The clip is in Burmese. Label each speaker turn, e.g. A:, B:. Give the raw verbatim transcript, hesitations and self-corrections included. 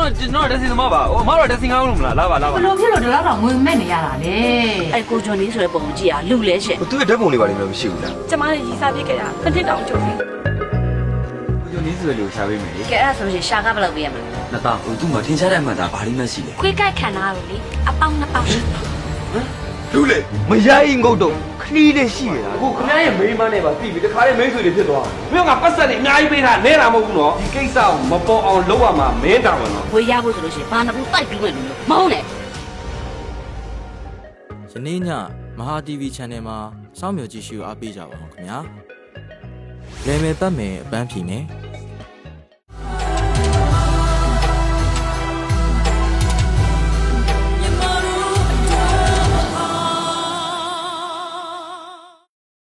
A: တော့ကျွန်တော်တက်စင်သမားပါဟိုအမတော့တက်စင်ကောင်းလို့မလားလာပါလာပါ
B: ဘလို့ဖြစ်လို့ဒီလောက်တော့ငွေမဲ့နေရတာလေ
C: အဲ့ကိုဂျွန်လေးဆိုတဲ့ပုံကိုကြည့်ရလူလဲရှင့်
D: သူ့ရဲ့ဓာတ်ပုံလေးပါလိမ့်မယ်မရှိဘူးလား
E: ကျမလည်းရီစားပြစ်ခဲ့တာတစ်နှစ်တောင်ကြုံပြီ
A: ကျွန်တော်နီးဆိုလို့ရှာပေးမယ်လေ
C: ကဲအဲ့ဒါဆိုရင်ရှာကားဘယ်လောက်ပေးရမလဲ
A: နှစ်သားဟိုသူ့မှာထင်ရှားတဲ့အမှန်ဒါဘာလို့မှရှိလဲ
E: ခွေးကိုက်ခံတာလို့လေအပေါင်းနှစ်ပေါင်းရှိ
D: လူလေမရိုင်းငုတ်တော့ခလီးလေးရှိရတာ
F: ကိုခင်ဗျားရဲ့မိန်းမနဲ့ပါပြီပြီတခါလေးမိန်းဆွေတွေဖြစ်သွားတယ်ပြီးတော့ငါပတ်ဆက်နေအများကြီးပေးတာနဲတာမဟုတ်ဘူးနော်ဒီကိစ္စကိုမပေါ်အောင်လုပ်ရမှာမင်းတာဝန်နော်
C: ဝေးရဖို့ဆိုလို့ရှိရင်ဘာနှစ်ဘူးတိုက်ပြီးမယ်လို့မဟုတ်နဲ့
G: ယနေ့ညမဟာ တီဗီ channel မှာစောင့်မျှော်ကြည့်ရှုအားပေးကြပါအောင်ခင်ဗျာလေမယ်ပတ်မယ်အပန်းဖြေမယ်